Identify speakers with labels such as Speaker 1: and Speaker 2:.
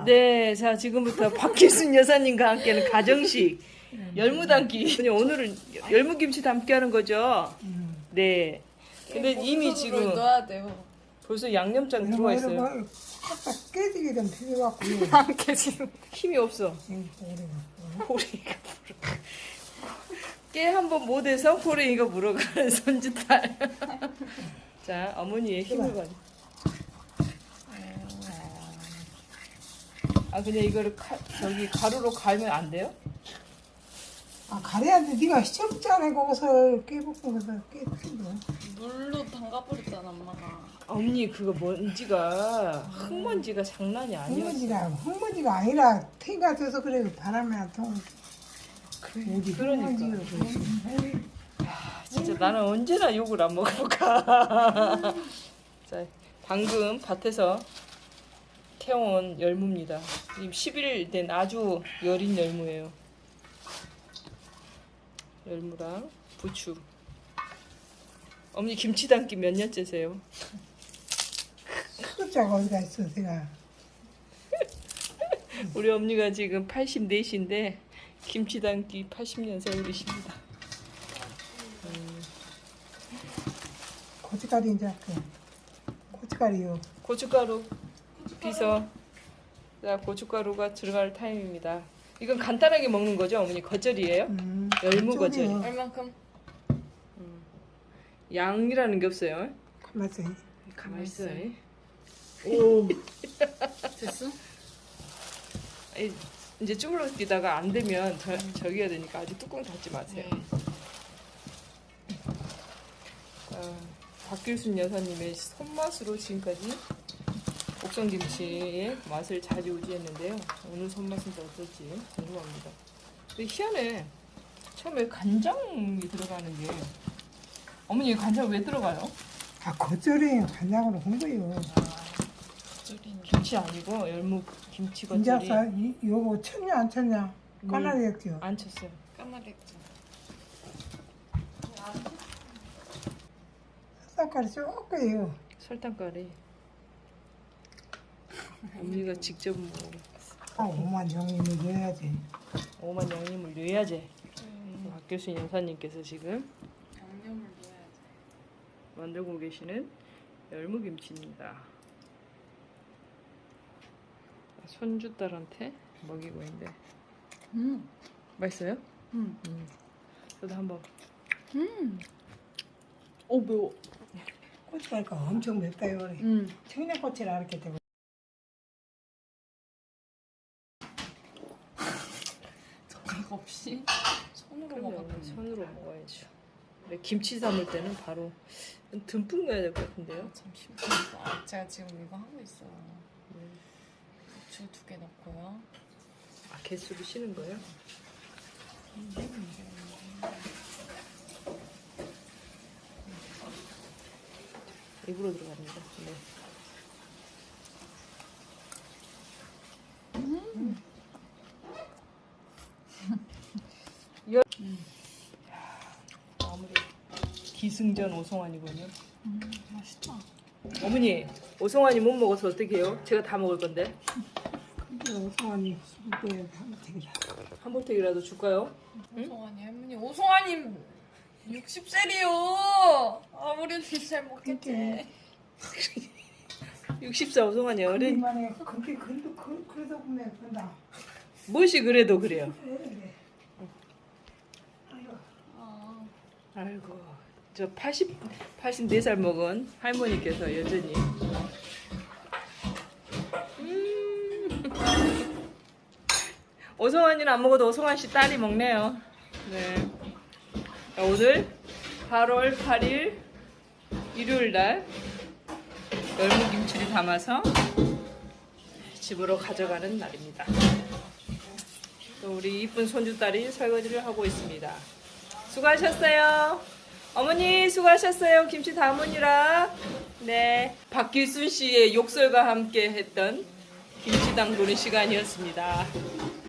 Speaker 1: 네, 자 지금부터 박기순 여사님과 함께하는 가정식 열무 담기. 그냥 오늘은 열무 김치 담기 하는 거죠. 네. 근데 이미 지금
Speaker 2: 넣어야 돼요.
Speaker 1: 벌써 양념장 들어와 있어요.
Speaker 3: 딱 깨지게 좀 필요갖고.
Speaker 2: 안 깨지는.
Speaker 1: 힘이 없어. 호랭이가 물어. 깨 한번 못해서 호랭이가 물어가는 손짓딸. 자, 어머니의 힘을 받. 아, 그냥 이거를 저기 가루로 갈면 안 돼요?
Speaker 3: 아, 가래한테 네가 시청자네 거기서 깨볶은 거서 깨뜨려.
Speaker 2: 물로 담가버렸잖아 엄마가.
Speaker 1: 어머니 그거 먼지가 흙먼지가 장난이 아니었어.
Speaker 3: 흙먼지가 아니라 태가 돼서 그래. 바람에 안 통해.
Speaker 1: 그러니까. 진짜 나는 언제나 욕을 안 먹어볼까. 자, 방금 밭에서 캐온 열무입니다. 지금 10일 된 아주 여린 열무예요. 열무랑 부추. 어머니 김치 담기 몇 년째세요?
Speaker 3: 숫자가 어디가 있어, 내가.
Speaker 1: 우리 어머니가 지금 84인데 김치 담기 80년 세월이십니다.
Speaker 3: 고춧가루 이제 할게. 고춧가루요.
Speaker 1: 고춧가루 비서. 자, 고춧가루가 들어갈 타임입니다. 이건 간단하게 먹는 거죠, 어머니? 겉절이에요? 열무 겉절이.
Speaker 3: 겉절이요.
Speaker 2: 얼만큼?
Speaker 1: 양이라는 게 없어요.
Speaker 3: 맞아.
Speaker 1: 가만히 있어.
Speaker 3: 오.
Speaker 2: 됐어?
Speaker 1: 이제 쭈물러뛰다가 안 되면 저기 해야 되니까 아직 뚜껑 닫지 마세요. 박길순 여사님의 손맛으로 지금까지 옥성김치의 맛을 자지우지했는데요. 오늘 손맛은 또 어떨지 궁금합니다. 근데 희한해. 처음에 간장이 들어가는 게 어머니 간장 왜 들어가요?
Speaker 3: 아, 겉절이 간장으로 한 거요.
Speaker 1: 김치 아니고 열무 김치 겉절이
Speaker 3: 인자사 요거 쳤냐 안 쳤냐? 까나리 했죠.
Speaker 1: 안 쳤어요.
Speaker 2: 까마랬죠.
Speaker 3: 쌀가루 조금요.
Speaker 1: 설탕가루. 어머니가 직접 뭐
Speaker 3: 아, 5만 영임을 넣어야지.
Speaker 1: 5만 양념을 넣어야지. 박교순 여사님께서 지금
Speaker 2: 양념을 넣어야지.
Speaker 1: 만들고 계시는 열무김치입니다. 손주딸한테 먹이고 있는데 맛있어요? 저도 한번.
Speaker 2: 오 매워.
Speaker 3: 고춧가루가 엄청 맵다요. 그래. 청양고추를 이렇게 되고.
Speaker 2: 젓가락 없이 손으로
Speaker 1: 그럼요.
Speaker 2: 먹었네.
Speaker 1: 손으로 먹어야죠. 근데 김치 삶을 때는 바로 듬뿍 넣어야 될 것 같은데요.
Speaker 2: 잠시만요. 제가 지금 이거 하고 있어요. 부추 2개 넣고요.
Speaker 1: 아, 개수를 쉬는 거예요? 입으로 들어갑니다. 네. 아무리 기승전 오송환이군요.
Speaker 2: 맛있다.
Speaker 1: 어머니, 오송환이 못 먹어서 어떻게 해요? 제가 다 먹을 건데.
Speaker 3: 근데 오성환이 술때 되게
Speaker 1: 한 볼택이라도 줄까요?
Speaker 2: 오송환이 할머니. 오송환님 60세리요. 아무래도 잘 먹겠지.
Speaker 1: 64 오송환이 어린.
Speaker 3: 그만해. 그렇게 그래도 보면 된다.
Speaker 1: 무엇이 그래도 그래요.
Speaker 3: 그래.
Speaker 2: 아,
Speaker 1: 아이고, 저 84살 먹은 할머니께서 여전히. 오송환이는 안 먹어도 오송환 씨 딸이 먹네요. 네. 자, 오늘 8월 8일 일요일 날 열무김치를 담아서 집으로 가져가는 날입니다. 또 우리 이쁜 손주딸이 설거지를 하고 있습니다. 수고하셨어요. 어머니 수고하셨어요. 김치 담으니라. 네. 박길순 씨의 욕설과 함께 했던 김치 담그는 시간이었습니다.